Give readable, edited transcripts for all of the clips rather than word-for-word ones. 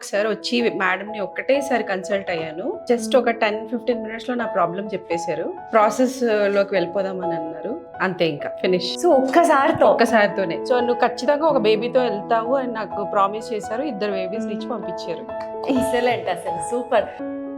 ఒకసారి వచ్చి మేడంని ఒక్కటేసారి కన్సల్ట్ అయ్యాను. జస్ట్ ఒక 10-15 మినిట్స్ లో నా ప్రాబ్లం చెప్పేశారు. ప్రాసెస్ లోకి వెళ్ళిపోదామని అన్నారు. అంతే, ఇంకా ఫినిష్. సో ఒక్కసారితోనే. సో నువ్వు ఖచ్చితంగా ఒక బేబీతో వెళ్తావు అని నాకు ప్రామిస్ చేశారు. 2 బేబీస్ ఇచ్చి పంపించారు. ఎక్సలెంట్, అసలు సూపర్.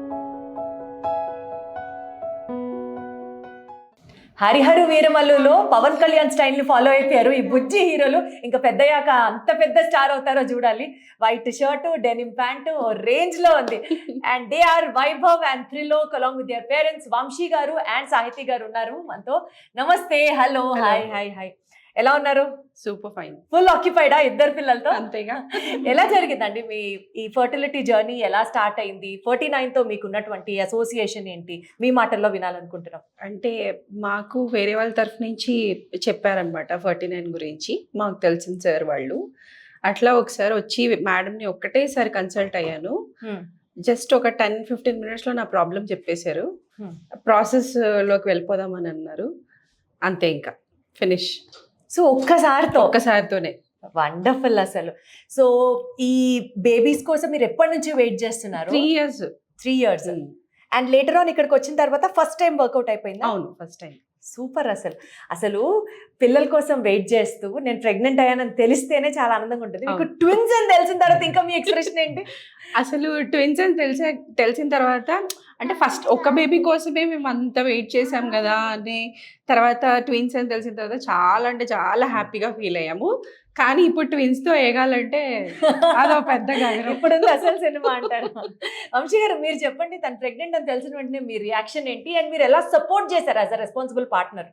హరిహరు వీరమల్లులో పవన్ కళ్యాణ్ స్టైల్ ని ఫాలో అయిపోయారు ఈ బుజ్జి హీరోలు. ఇంకా పెద్దయ్యాక అంత పెద్ద స్టార్ అవుతారో చూడాలి. White shirt, denim pant range లో ఉంది. And they are Vaibhav and Trilok along with their parents Vamsi గారు అండ్ సాహితి గారు ఉన్నారు మనతో. నమస్తే, హలో, హాయ్ హాయ్ హాయ్. ఎలా ఉన్నారు? Super fine. ఫుల్ ఆక్యుపైడా 2 పిల్లలతో? అంతేగా. ఎలా జరిగిందండి మీ ఈ ఫర్టిలిటీ జర్నీ? ఎలా స్టార్ట్ అయింది? 49 తో మీకు ఉన్నటువంటి అసోసియేషన్ ఏంటి? మీ మాటల్లో వినాలనుకుంటున్నాం. అంటే మాకు వేరే వాళ్ళ తరఫు నుంచి చెప్పారనమాట 49 గురించి. మాకు తెలిసిన సార్ వాళ్ళు. అట్లా ఒకసారి వచ్చి మేడంని ఒక్కటేసారి కన్సల్ట్ అయ్యాను. జస్ట్ ఒక 10-15 మినిట్స్ లో నా ప్రాబ్లం చెప్పేశారు. ప్రాసెస్ లోకి వెళ్ళిపోదామని అన్నారు. అంతే, ఇంకా ఫినిష్. సో ఒక్కసారితోనే. వండర్ఫుల్ అసలు. సో ఈ బేబీస్ కోసం మీరు ఎప్పటి నుంచి వెయిట్ చేస్తున్నారు? 3 years. అండ్ లేటర్ ఆన్ ఇక్కడికి వచ్చిన తర్వాత ఫస్ట్ టైం వర్కౌట్ అయిపోయింది? అవును, ఫస్ట్ టైం. సూపర్. అసలు పిల్లల కోసం వెయిట్ చేస్తూ నేను ప్రెగ్నెంట్ అయ్యానని తెలిస్తేనే చాలా ఆనందంగా ఉంటుంది. మీకు ట్విన్స్ అని తెలిసిన తర్వాత ఇంకా మీ ఎక్స్ప్రెషన్ ఏంటి? అసలు ట్విన్స్ అని తెలిసిన తర్వాత అంటే ఫస్ట్ ఒక బేబీ కోసమే మేము అంత వెయిట్ చేసాం కదా అని, తర్వాత ట్విన్స్ అని తెలిసిన తర్వాత చాలా అంటే చాలా హ్యాపీగా ఫీల్ అయ్యాము. కానీ ఇప్పుడు ట్విన్స్ తో ఏగాలంటే అదో పెద్ద ఇప్పుడు అసలు సినిమా అంటారు. వంశీ గారు, మీరు చెప్పండి, తను ప్రెగ్నెంట్ అని తెలిసిన వెంటనే మీ రియాక్షన్ ఏంటి అండ్ మీరు ఎలా సపోర్ట్ చేశారు as a responsible partner?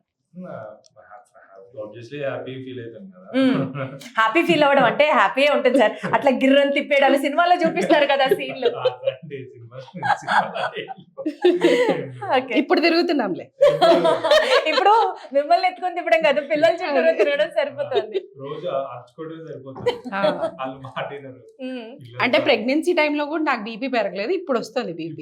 Happy feel అవ్వడం అంటే హ్యాపీయే ఉంటుంది సార్. అట్లా గిర్రని తిప్పేయడాలు సినిమాలో చూపిస్తారు కదా సీన్లు. ఇప్పుడు తిరుగుతున్నాంలే. ఇప్పుడు మిమ్మల్ని ఎత్తుకొని తిప్పడం కదా, పిల్లల చుట్టూ తిరగడం సరిపోతుంది. అంటే ప్రెగ్నెన్సీ టైంలో కూడా నాకు బీపీ పెరగలేదు, ఇప్పుడు వస్తుంది బీపీ.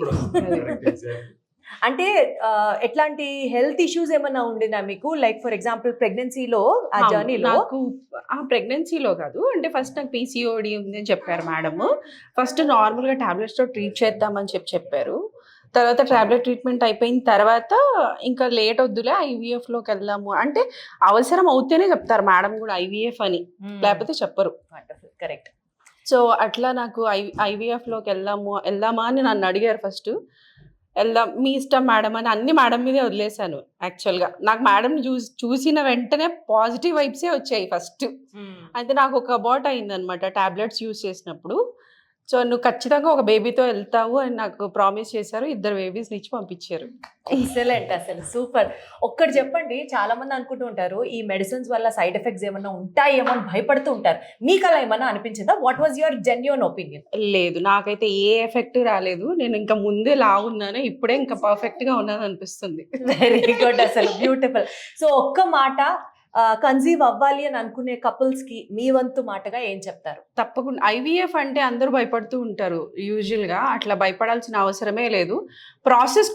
అంటే ఎట్లాంటి హెల్త్ ఇష్యూస్ ఏమన్నా ఉండినా మీకు? లైక్ ఫర్ ఎగ్జాంపుల్ ప్రెగ్నెన్సీలో ఆ జర్నీలో? నాకు ప్రెగ్నెన్సీలో కాదు, అంటే ఫస్ట్ నాకు పీసీఓడి ఉంది అని చెప్పారు మేడం. ఫస్ట్ నార్మల్గా టాబ్లెట్స్ తో ట్రీట్ చేద్దామని చెప్పారు. తర్వాత టాబ్లెట్ ట్రీట్మెంట్ అయిపోయిన తర్వాత ఇంకా లేట్ వద్దులే IVF లోకి వెళ్దాము అంటే, అవసరం అవుతేనే చెప్తారు మేడం కూడా IVF అని, లేకపోతే చెప్పరు. కరెక్ట్. సో అట్లా నాకు IVF లోకి వెళ్దామా అని నన్ను అడిగారు. ఫస్ట్ వెళ్దాం, మీ ఇష్టం మేడం అని అన్ని మేడం మీదే వదిలేశాను. యాక్చువల్గా నాకు మేడంని చూసిన వెంటనే పాజిటివ్ వైబ్సే వచ్చాయి ఫస్ట్. అయితే నాకు ఒక అబౌట్ అయిందనమాట టాబ్లెట్స్ యూజ్ చేసినప్పుడు. సో నువ్వు ఖచ్చితంగా ఒక బేబీతో వెళ్తావు అని నాకు ప్రామిస్ చేశారు. 2 బేబీస్ ఇచ్చి పంపించారు. ఎక్సలెంట్, అసలు సూపర్. ఒక్కటి చెప్పండి, చాలా మంది అనుకుంటూ ఉంటారు ఈ మెడిసిన్స్ వల్ల సైడ్ ఎఫెక్ట్స్ ఏమన్నా ఉంటాయేమో అని భయపడుతూ ఉంటారు. మీకు అలా ఏమన్నా అనిపించిందా? What was your genuine opinion? లేదు, నాకైతే ఏ ఎఫెక్ట్ రాలేదు. నేను ఇంకా ముందే లావున్నాను, ఇప్పుడే ఇంకా పర్ఫెక్ట్ గా ఉన్నాను అనిపిస్తుంది. వెరీ గుడ్, అసలు బ్యూటిఫుల్. సో ఒక్క మాట, కన్సీవ్ అవ్వాలి అని అనుకునే కపుల్స్ కి మీ వంతు మాటగా ఏం చెప్తారు? తప్పకుండా. IVF అంటే అందరూ భయపడుతూ ఉంటారు యూజువల్ గా, అట్లా భయపడాల్సిన అవసరమే లేదు. ప్రాసెస్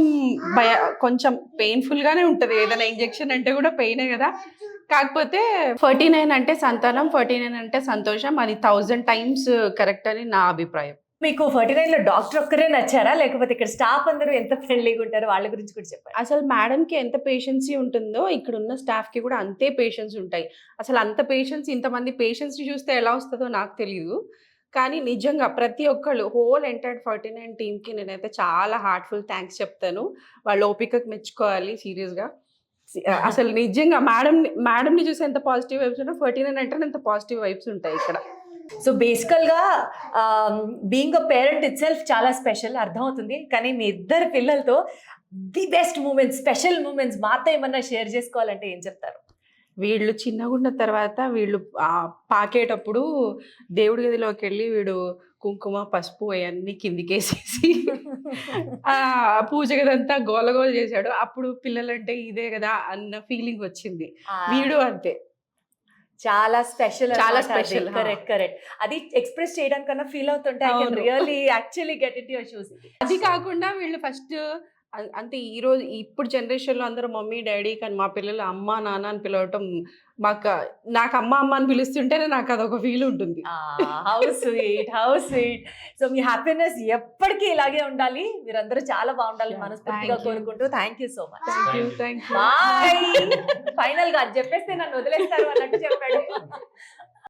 కొంచెం పెయిన్ఫుల్ గానే ఉంటది. ఏదైనా ఇంజెక్షన్ అంటే కూడా పెయినే కదా. కాకపోతే 49 అంటే సంతానం, 49 అంటే సంతోషం. అది 1000 times కరెక్ట్ అని నా అభిప్రాయం. మీకు 49 లో డాక్టర్ ఒక్కరే నచ్చారా, లేకపోతే ఇక్కడ స్టాఫ్ అందరూ ఎంత ఫ్రెండ్లీగా ఉంటారో వాళ్ళ గురించి కూడా చెప్పండి. అసలు మేడంకి ఎంత పేషెన్సీ ఉంటుందో ఇక్కడ ఉన్న స్టాఫ్ కి కూడా అంతే పేషెన్స్ ఉంటాయి. అసలు అంత పేషెన్స్, ఇంతమంది పేషెన్స్ చూస్తే ఎలా వస్తుందో నాకు తెలియదు. కానీ నిజంగా ప్రతి ఒక్కళ్ళు హోల్ ఎంటైర్ 49 టీమ్కి నేనైతే చాలా హార్ట్ఫుల్ థ్యాంక్స్ చెప్తాను. వాళ్ళ ఓపికకు మెచ్చుకోవాలి సీరియస్గా. అసలు నిజంగా మేడంని చూసి ఎంత పాజిటివ్ వైబ్స్ ఉంటాయి, 49 అంటే ఎంత పాజిటివ్ వైబ్స్ ఉంటాయి ఇక్కడ. సో బేసికల్గా being a parent itself చాలా స్పెషల్, అర్థమవుతుంది. కానీ మీ 2 పిల్లలతో the best moments, special moments మాతో ఏమన్నా షేర్ చేసుకోవాలంటే ఏం చెప్తారు? వీళ్ళు చిన్నగా ఉన్న తర్వాత వీళ్ళు పాకేటప్పుడు దేవుడి గదిలోకి వెళ్ళి వీడు కుంకుమ పసుపు అవన్నీ కిందికేసేసి పూజ గదంతా గోలగోల చేశాడు. అప్పుడు పిల్లలంటే ఇదే కదా అన్న ఫీలింగ్ వచ్చింది. వీడు అంతే, చాలా స్పెషల్, చాలా స్పెషల్. కరెక్ట్. అది ఎక్స్ప్రెస్ చేయడానికన్నా ఫీల్ అవుతుంటే I can really actually get it your shoes. అది కాకుండా వీళ్ళు ఫస్ట్ అంతే ఈరోజు ఇప్పుడు జనరేషన్‌లో అందరూ మమ్మీ, డ్యాడీ కానీ మా పిల్లలు అమ్మ, నాన్న అని పిలవటం నాకు అమ్మ, అమ్మ అని పిలుస్తుంటేనే నాకదొక ఫీల్ ఉంటుంది. How sweet, how sweet. So మీ హ్యాపీనెస్ ఎప్పటికీ ఇలాగే ఉండాలి. మీరందరూ చాలా బాగుండాలి Yeah, మనస్ఫూర్తిగా thank you. కోరుకుంటూ thank you so much. Thank you. Thank you. Bye. Final గా అది చెప్పేస్తే నన్ను వదిలేస్తారు అన్నట్టు చెప్పాడు.